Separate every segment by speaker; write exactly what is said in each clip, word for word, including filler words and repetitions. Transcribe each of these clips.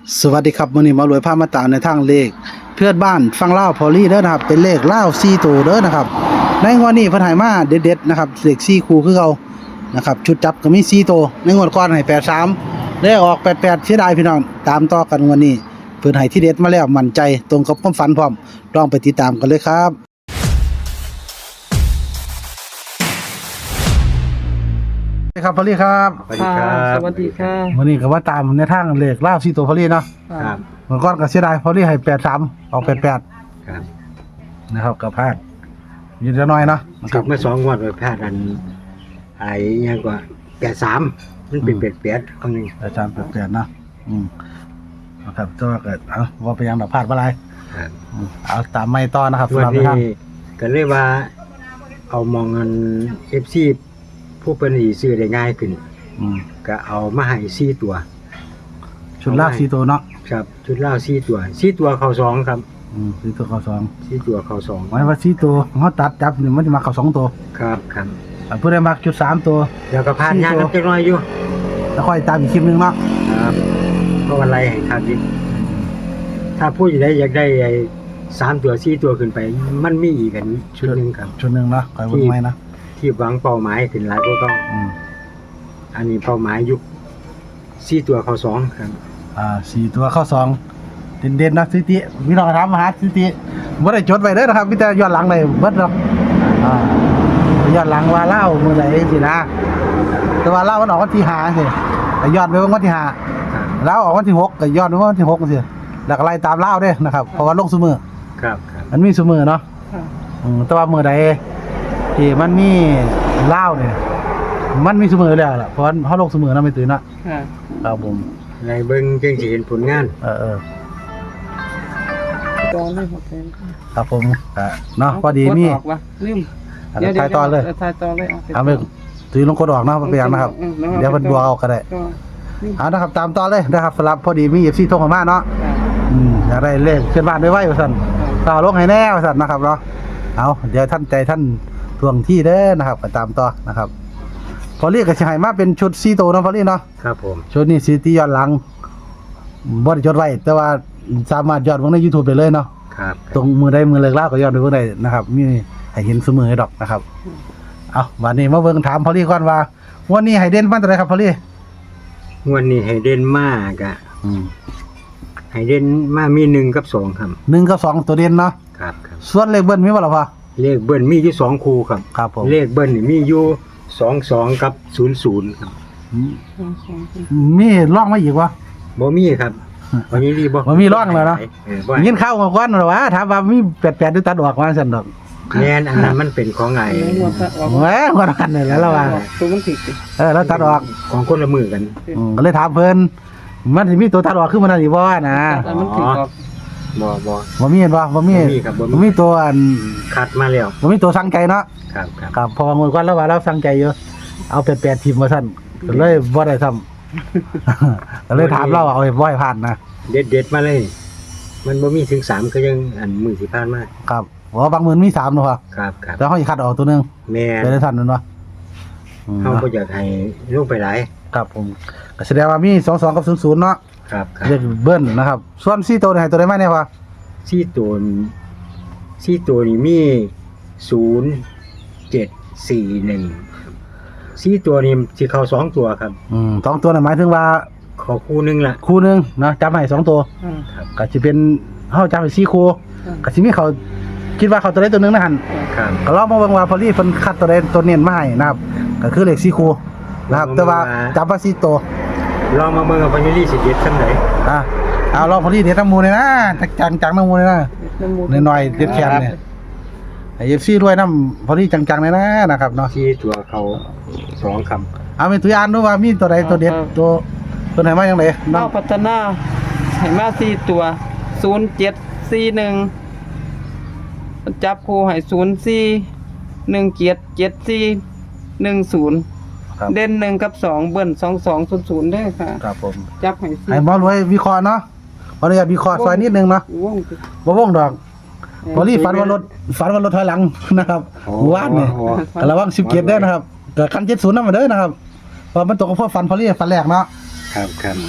Speaker 1: สวัสดีครับมื้อนี้มารวยพามาตามในทางเลขเพื่อนบ้านฟังเล่าพอลี่เด้อนะครับเป็นเลขเล่าสี่ตัวเด้อนะครับในงวดนี้เพิ่นให้มาเด็ดๆนะครับเลขสี่คู่คือเก่านะครับชุดจับก็มีสี่ตัวในงวดก่อนให้แปดสามเลขออกแปดแปดเสียดายพี่น้องตามต่อกันงวดนี้เพิ่นให้ที่เด็ดมาแล้วมั่นใจตรงกับความฝันพร้อมลองไปติดตามกันเลยครับครับพอลี่ครับ
Speaker 2: สวัสดีครับ
Speaker 3: สวัสดีค่ะ
Speaker 1: มื้อนี้ก็ว่าตามในทางเลขเล่าสี่ตัวพอลี่เนาะ
Speaker 2: ครับ
Speaker 1: เมื่อก่อนก็เสียดายพอลี่ให้แปดสามออกแปดแปด
Speaker 2: ครับ
Speaker 1: นะครับกับพลาดยืนจะน้อยเนาะนะค
Speaker 2: ครั
Speaker 1: รั
Speaker 2: บบ เมื่อสองงวันไปแพทย์อันไอ้ยังกว่าแปดสามมันเป็นเป็ดเป็ดครั้งหนึ่ง
Speaker 1: อาจารย์แปลกๆเนาะอืมนะครับก็เกิดเอาว่าไปยังดอกพลาดอะไร
Speaker 2: ครับ
Speaker 1: อืมเอาตามไม่ต่อนะครับ
Speaker 2: วัน
Speaker 1: สำหรับ
Speaker 2: นี้
Speaker 1: ท่าน
Speaker 2: ก็เลยว่า เอามองเงินเอฟซีผู้เป็นอีซื้อได้ง่ายขึ้น
Speaker 1: อืม
Speaker 2: ก็เอามาให้สี่ตัว
Speaker 1: ชุดลากสี่ตัวเนาะ
Speaker 2: ครับชุดเหล้าสี่ตัวสี่ตัวเขาสองครับ
Speaker 1: อืมสี่ตัวเขาสอง
Speaker 2: สี่ตัวเขาสอง
Speaker 1: หมายว่าสี่ตัวเขาตัดจับนี่มันจะมาเขาสองตัว
Speaker 2: ครับครับ
Speaker 1: อ่าเพื่อได้มาชุดสามตัว
Speaker 2: แล้วก็พาน
Speaker 1: สี่
Speaker 2: ยาง
Speaker 1: ตัว
Speaker 2: น้ำจักหน้อยอยู่
Speaker 1: แล้วค่อยตามอีกคลิปหนึงเนาะ
Speaker 2: ครับก็วันไรให้ครับดิถ้าพูดอยู่ได้อยากได้ไอ้สามตัวสี่ตัวขึ้นไป มันมีอีกกันชุดหนึ่งครับ
Speaker 1: ชุดหนึ่งเนาะคอยวนไว้นะ
Speaker 2: ที่หวังเป้าหมายขึ้นหลายก็ต้อง
Speaker 1: อืม
Speaker 2: อันนี้เป้าหมายยุคสี่ตัวเขาสองครับ
Speaker 1: อ่าสี่ตัวเข้าสองเด่นๆนะสถิติพี่น้องถามมาหาสถิติไม่ได้จดไว้เด้อนะครับพี่แต่ย้อนหลังเลยเบิดเนาะอ่าย้อนหลังว่าเล่าเมื่อไหร่สินะแต่ว่าเล่ามันออกวันที่ห้าสิแต่ย้อนไปวันที่ห้า
Speaker 2: ครับ
Speaker 1: เล่าออกวันที่หกก็ย้อนไปวันที่หกสิแล้วก็ไล่ตามเล่าเด้อนะครับเพราะว่าลงซุมือ
Speaker 2: ครับครับ
Speaker 1: มันมีซุมือเนาะ
Speaker 3: ค่ะ
Speaker 1: อืมแต่ว่าเมื่อใดที่มันมีเล่าเนี่ยมันมีซุมือแล้วล่ะเพราะว่าเขาลงซุมือนะไม่ตื่นเนาะ
Speaker 3: ค่ะ
Speaker 1: ครับผม
Speaker 2: ในเบิ้งจึงจะเห็นผลงาน
Speaker 1: เออเออ
Speaker 3: ตอนนี้หมดแล้ว
Speaker 1: ครับผมอ่ะเนาะพอดีมี
Speaker 3: กออกวะลืม
Speaker 1: อ่ะเดี๋ยวถ่ายต่อเลย
Speaker 3: ถ่ายต่อเลย
Speaker 1: เอาไปถือลงกดออกเนาะไปยังนะครับ เดี๋ยวมันบัวเอาก็ได้
Speaker 3: ก็นี่
Speaker 1: เอานะครับตามต่อเลยนะครับสำหรับพอดีมีเอฟซีโทรเข้ามาเนาะ
Speaker 3: ค่ะ
Speaker 1: อืมอยากได้เลขเพื่อนบ้านด้วยไว้ว่าสั่นต่อลงให้แน่ว่าสั่นนะครับเนาะเอาเดี๋ยวท่านใจท่านทวงที่เด้อนะครับไปตามต่อนะครับ พอเรียกกับชายมาเป็นชุดซีโตเนาะพอเรียกเนาะ
Speaker 2: ครับผม
Speaker 1: ชุดนี้ซีตีย้อนหลังบ่ได้จดไว้แต่ว่าสามารถย้อนเบิ่งใน YouTube ได้เลยเนาะ
Speaker 2: ครับ
Speaker 1: ตรงมือใดมือเลิกเล่าก็ย้อนไปเบิ่งได้นะครับมีให้เห็นเสมอดอกนะครับเอาวันนี้มาเบิ่งถามพอเรียกก่อนว่าวันนี้ให้เด่นมาตัวใดครับพอเรียก
Speaker 2: งวันนี้ให้เด่นมากอะ
Speaker 1: อืม
Speaker 2: ให้เด่นมามีหนึ่งกับสองครับ
Speaker 1: หนึ่งกับสองตัวเด่นเนาะ
Speaker 2: ครับครับ
Speaker 1: ส่วนเลขเบิ้ลมีบ่ล่ะพ่อ
Speaker 2: เลขเบิ้ลมีอยู่สองคู่ครับ
Speaker 1: ครับผม
Speaker 2: เลขเบิ้ลนี่มีอยู่สองสองกับศูนย์ศูนย์ครับ
Speaker 1: มีร่องมาอีกวะ
Speaker 2: บ่มีครับวันนี้รีบ่
Speaker 1: บ่มีร่องเลยเนาะ
Speaker 2: เออบ่
Speaker 1: ยินเข้ามาก่อนหรอวะถามว่ามีแปดๆด้วยตัดออกมาซั่นดอก
Speaker 2: แม่นอันนั้นมันเป็นของไง
Speaker 3: หมดแล้วออก
Speaker 1: แหมว่ากันนี่แหล้วล่ะว่า
Speaker 3: ตัวมันติด
Speaker 1: เออแล้วตัดออก
Speaker 2: ของคนละมือกัน
Speaker 1: อืมก็เลยถามเพิ่นมันสิมีตัวตัดออกคือมันนั่นอีบ่นะ
Speaker 3: แต่มันติดออก
Speaker 2: บ่บ่
Speaker 1: บ่มีเห็นบ่บ่มี
Speaker 2: บ่มีครับบ่มี
Speaker 1: บ่มีตัวอัน
Speaker 2: คัดมาแล้ว
Speaker 1: บ่มีตัวสั่งใจเนาะ
Speaker 2: ครับครับ
Speaker 1: ครับพอมื้อก่อนแล้วว่าเราสั่งใจอยู่เอาแปดๆทีมมาซั่นก็เลยบ่ได้ทำ ก็เลยถามเราว่าเอาให้บ่ให้ผ่านนะ
Speaker 2: เด็ดเด็ดๆมาเลย มันบ่มีถึงสามก็ยังอันมือสิผ่านมา
Speaker 1: ครับเพราะว่าบางมื้อมีสามเนาะพ่อ
Speaker 2: ครับครับ
Speaker 1: แล้วเฮาสิคัดออกตัวหนึง
Speaker 2: แม่
Speaker 1: ไปได้ทันนั่นวะอืม
Speaker 2: เฮาบ่อยากให้ลงไปหลาย
Speaker 1: ครับผมก็แสดงว่ามีสองสองกับศูนย์ศูนย์เนาะ
Speaker 2: ครับครับ
Speaker 1: เรียกเบิ้ลนะครับ ส่วนสี่ตัวนี่ให้ตัวได้ไหมเนี่ยวะ
Speaker 2: ซี่ตัวนี่ซี่ตัวนี่มีศูนย์ เจ็ด สี่ หนึ่งซี่ตัวนี่สิเข้าสองตัวครับ
Speaker 1: อืมสองตัวนี่หมายถึงว่า
Speaker 2: ขอคู่หนึงล่ะ
Speaker 1: คู่หนึงนะจับให้สองตัว
Speaker 3: อ่า
Speaker 2: ครับ
Speaker 1: ก็จะเป็นเฮาจับให้สี่คู่
Speaker 3: อ่า
Speaker 1: ก็สิมีเขาคิดว่าเขาตัวใดตัวหนึงนะหั่น
Speaker 2: ครับ
Speaker 1: ก็ลองมาเบิ่งว่าพอลี่เพิ่นคัดตัวใดตัวเน้นมาให้นะครับก็คือเลขสี่คู่นะครับแต่ว่าจับว่าสี่ตัว
Speaker 2: ลองมาเบิ่งว่าพญาลีสิเด็ดซำใด
Speaker 1: อ่ะเอาลองพอลี่เด็ดน้ำหมูเลยนะจังๆจังน้ำหมูเลยนะ
Speaker 3: น้ำมูก
Speaker 1: น้อยๆเด็ดแขนเนี่ยไอ้ เอฟ ซี ด้วยน้ำพอลี่จังๆเลยนะนะครับเนาะ
Speaker 2: ซี่ตัวเขาสองคำ
Speaker 1: เอาเป็นตัวอย่างดูว่ามีตัวใดตัวเด็ดตัวตัวไหนมาอย่างไร
Speaker 3: เล่าพัฒนาให้มาสี่ตัวศูนย์เจ็ดสี่หนึ่งจับคู่ให้ศูนย์สี่หนึ่งเจ็ดเจ็ดสี่หนึ่งศูนย์
Speaker 1: ครับ
Speaker 3: เด่นหนึ่งกับสองเบิ้ลสองสองศูนย์ศูนย์ได้ค่ะ
Speaker 1: ครับผม
Speaker 3: จับให้สี่
Speaker 1: ให้หมอรวยวิเคราะห์เนาะขออนุญาตวิเคราะห์ซอยนิดนึงเนาะ
Speaker 3: ว่อง
Speaker 1: บ่วงดอกพอลี่ฝันว่ารถฝันว่ารถถอยหลังนะครับหมู่บ้านเนี่ยก็ระวังสิบเกียรได้นะครับเกิดคันเจ็ดศูนย์นั่นมาเด้อนะครับเพราะมันตกกับพวกฝันพอลี่ฝันแรกเนาะ
Speaker 2: ครับครับ
Speaker 1: ค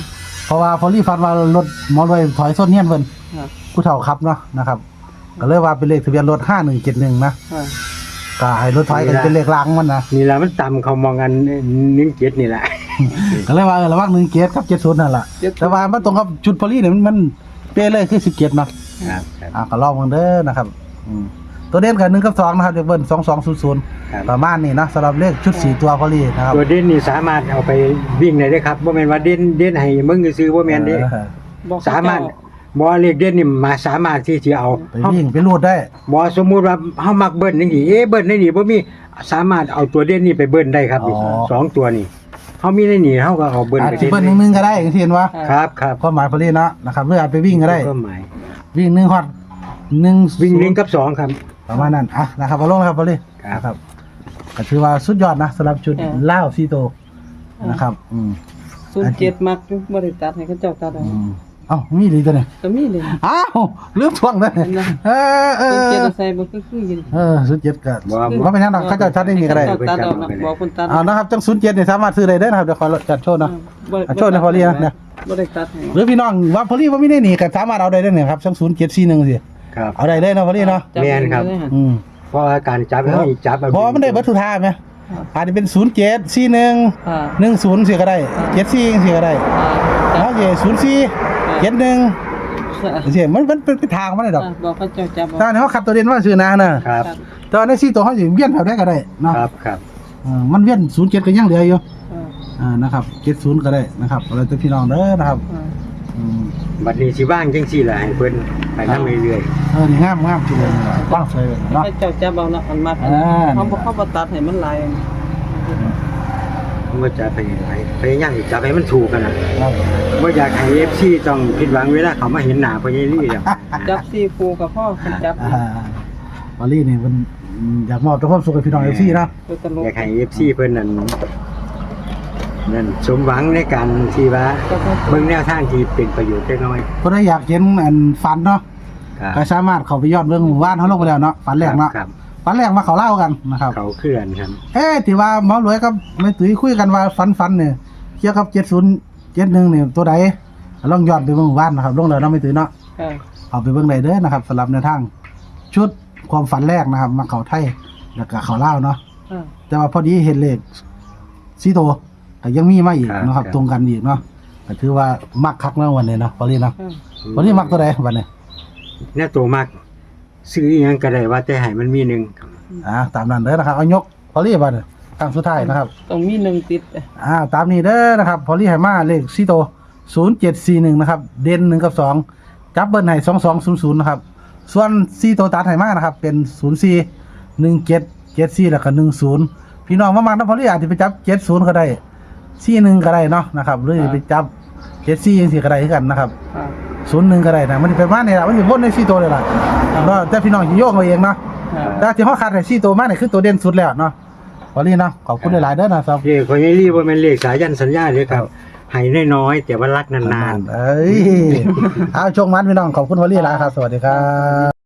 Speaker 1: เพราะว่าพอลี่ฟันว่ารถหมอรวยถอยส้นเฮียนเพิ่น
Speaker 3: ค่ะ
Speaker 1: ผู้เฒ่าขับเนาะนะครับก็เลยว่าเป็นเลขทะเบียนรถห้าหนึ่งเจ็ดหนึ่งนะ
Speaker 3: ค่ะ
Speaker 1: ก็ให้รถถอยกันเป็นเลขรางมันนะ
Speaker 2: นี่ล่ะมันต่ำเขามองกันหนึ่งเจ็ดนี่แหละ
Speaker 1: ก็เลยว่าเออระหว่างหนึ่งเกียรกับเจ็ดศูนย์นั่นแหละแต่ว่ามันตรงกับชุดพอลี่เนี่ยมันมันเป๊ะเลยคือสิบเกียรเนาะ
Speaker 2: ครับครับ
Speaker 1: อ่าก็ลองมันเด้อนะครับอืมตัวเด่นกับหนึ่งกับสองนะครับเดี๋ยวเบิ้ลสองสองศูนย์ศูนย์
Speaker 2: ครับ
Speaker 1: ประมาณนี้นะสำหรับเลขชุดสี่ตัวพอลี่นะครับ
Speaker 2: ตัวเด่นนี่สามารถเอาไปวิ่งได้เด้อครับบ่แม่นว่าเด่นเด่นให้มึงซื้อบ่แม่นเด้
Speaker 1: เออ
Speaker 3: บอก
Speaker 2: สามารถบ่เลขเด่นนี่มาสามารถที่จะเอา
Speaker 1: ไปวิ่งไปรูดได้
Speaker 2: บ่สมมุติว่าเฮามักเบิ้ลจังซี่เอ๊ะเบิ้ลในนี่บ่มีสามารถเอาตัวเด่นนี่ไปเบิ้ลได้ครับนี่สองตัวนี่เฮามีในนี่เฮาก็เอาเบิ้ล
Speaker 1: อาจ
Speaker 2: ไป
Speaker 1: จะ
Speaker 2: เด่น
Speaker 1: เบิ้ลหนึ่งหนึ่งก็ได้อย่างที่เห็นว่า
Speaker 2: ครับครับ
Speaker 1: ความหมายพอลี่เนาะนะครับหรืออาจไปวิ่งก็ได้
Speaker 2: ก็หมาย
Speaker 1: วิ่งหนึ่งฮอตหนึ่ง
Speaker 2: วิ่งหนึ่งกับสองครับ
Speaker 1: ประมาณนั้นอ่ะนะครับเอาลงนะครับพอลี่
Speaker 2: ครับ
Speaker 1: นะครับก็ถือว่าสุดยอดนะสำหรับชุดเล่าวซีโตนะครับอืม
Speaker 3: ศูนย์เจ็ดมักอยู่บ่ได้ตัดให้เขาเจ้าตัดเอา
Speaker 1: อืมเอ้ามีดีตัวเนี่ย
Speaker 3: ก็มีเลย
Speaker 1: อ้าวลืมทวงเลย
Speaker 3: เห็นไหม
Speaker 1: เออเอ
Speaker 3: ศูนย์
Speaker 1: อ
Speaker 3: เจ็ดเอาใส่บ่คือคือยิน
Speaker 1: เออศูนย์เจ็ดก็
Speaker 2: บ่
Speaker 1: ว่าเป็นยังไงเขาจะชัดได้มีก็ได้
Speaker 3: เจ้าตัดเอานะบอกคนตัด
Speaker 1: เอานะครับจังศูนย์เจ็ดเนี่ยสามารถซื้อได้เด้อนะครับเดี๋ยวขอจัดโชว์นะ
Speaker 3: บ่
Speaker 1: อ่ะโชว์หน่อยพอเรียกนะ
Speaker 3: บ่ได้ตัดให้
Speaker 1: หรือพี่น้องว่าพอลี่ว่าไม่ได้หนีก็สามารถเอาได้เด้อเนี่ยครับจังศูนย์เจ็ดสี่หนึ่งสิ
Speaker 2: ครับ
Speaker 1: เอาได้เลยนะพอลี่เนาะ
Speaker 3: จั
Speaker 2: แม่นครับ
Speaker 3: เลยฮะ
Speaker 1: อืม
Speaker 2: เพราะว่าการจับเฮาจับ
Speaker 1: เพราะว่ามันได้เบัตรทุกท่าไหมอาจจะเป็นศูนย์เจ็ดสี่หนึ่ง
Speaker 3: ค่ะ
Speaker 1: หนึ่งศูนย์สี่ก็ได้เจ็ดสี่สี่ก็ได้
Speaker 3: ค่ะ
Speaker 1: แล้วเย่ศูนย์สี่เจ็ดหนึ่งเสียมันมันเป็นทางมันเลยดอก
Speaker 3: บอกเขาเจ้าจับเอา
Speaker 1: ถ้าเขาขับตัวเด่นว่าซื้อนะนะครับ แต่ว่าในสี่ตัวเขาอยู่เวียนแบบได้ก็ได้เนาะ
Speaker 2: ครับครับ
Speaker 1: เออมันเวียนศูนย์เจ็ดก็ยังเหลืออยู่
Speaker 3: ค่ะ
Speaker 1: อ่านะครับเจ็ดศูนย์ก็ได้นะครับอะไรตัวพี่น้องเด้อนะครับ
Speaker 3: ค่ะ
Speaker 1: อืม
Speaker 2: บัดนี้สิว่างจังซี่ล่ะให้เพิ่นไปนำเรื่อย
Speaker 1: เออนี่งามงามทีเดียวกว้างสวยเลยเนาะ
Speaker 3: เขาเจ้าจับเอานะอันมาก
Speaker 1: อ่า
Speaker 3: เขาบ่เขาบ่ตัดให้มันหลาย
Speaker 2: ๆผมก็จะไปพยายามจับให้มันถูกกันน่ะ
Speaker 1: ครับ
Speaker 2: บ่อยากให้ เอฟ ซี ต้องผิดหวังเวลาเขามาเห็นหน้าพ่อใหญ่ลี่แล้ว
Speaker 3: จับสี่คู่กับพ่อคนจับ
Speaker 1: อ่าบอลลี่นี่มันอยากมอบแต่ความสุขกับพี่น้องเอฟซีนะ
Speaker 3: ตัวตลก
Speaker 2: อยากให้ เอฟ ซี เพิ่นนั่นนั่นสมหวังในการที่ว่าเบิ่งแนวทางที่เป็นประโยชน์จักหน่อย
Speaker 1: คนที่อยากเห็นอันฝันเนาะ
Speaker 2: ครับ
Speaker 1: ก็สามารถเข้าไปยอดเรื่องหมู่บ้านเขาลงไปแล้วเนาะฝันแรกเนาะ
Speaker 2: ครับ
Speaker 1: ฝันแรกมาเขาเล่ากันนะครับ
Speaker 2: เขาเคลื่อนครับ
Speaker 1: เอ๊ะที่ว่าหมอรวยกับแม่ตุ้ยคุยกันว่าฝันฝันเนี่ยเกี่ยวกับเจ็ดศูนย์เจ็ดหนึ่งเนี่ยตัวใดลองย้อนไปเบิ่งหมู่บ้านนะครับลงแล้วเนาะแม่ตุ้ยเนาะ
Speaker 3: ค่ะ
Speaker 1: เอาไปเบิ่งได้เด้อนะครับสำหรับในวทางชุดความฝันแรกนะครับ มาเขาไทยแล้วก็เขาเล่าวเนาะ
Speaker 3: ค่ะ
Speaker 1: แต่ว่าพอดีเห็นเลขสีโตก็ยังมีมาอีก
Speaker 2: ครับ
Speaker 1: เนาะครับ
Speaker 2: ครับ
Speaker 1: ตรงกันอีกเนาะก็ถือว่ามักคักเนาะวันนี้เนาะพอดีเนาะ
Speaker 3: ค่ะ
Speaker 1: วันนี้มักตัวใดวันนี้
Speaker 2: แน่ตัวมากซื้ออีหยังก็ได้ว่าแต่ให้มันมีหนึง
Speaker 1: อ่าตามนั้นเด้อนะครับเอายกพอดีบัดนี้ครั้งสุดท้ายนะครับ
Speaker 3: ต้องมีหนึ่งติด
Speaker 1: อ่าตามนี้เด้อนะครับพอลี่ไหมาเลขสีโตศูนย์เจ็ดสี่หนึ่งนะครับเด่นหนึ่งกับสองจับเบิ้ลให้สองสองศูนย์ศูนย์นะครับส่วนสีโตตัดไหมานะครับเป็นศูนย์สี่หนึ่งเจ็ดเจ็ดสี่แล้วก็หนึ่งศูนย์พี่น้องมามาแล้วพอลี่อาจจะไปจับเจ็ดศูนย์ก็ได้สี่หนึ่งก็ได้เนาะนะครับหรือไปจับเจ็ดสี่ยังสี่ก็ได้คือกันนะครับ
Speaker 3: ค่ะ
Speaker 1: ศูนย์หนึ่งก็ได้นะมันจะเป็นมาเนี่ยละมันจะวนในสี่ตัวเลยล่ะเนาะแต่พี่น้องจะโยกเอาเองเนาะ
Speaker 3: ค่ะ
Speaker 1: แต่ที่เขาขาดแต่สี่ตัวมาเนี่ยคือตัวเด่นสุดแล้วเนาะพอลี่เนาะขอบคุณหลายๆเด้อนะครับ
Speaker 2: เลขพ่อใหญ่ลี่บ่แม่นเลขสายันสัญญาเด้อครับให้น้อยๆแต่ว่ารักนานๆ
Speaker 1: เอ้ย เอาชงมันพี่น้องขอบคุณพอลี่หลายครับ สวัสดีครับ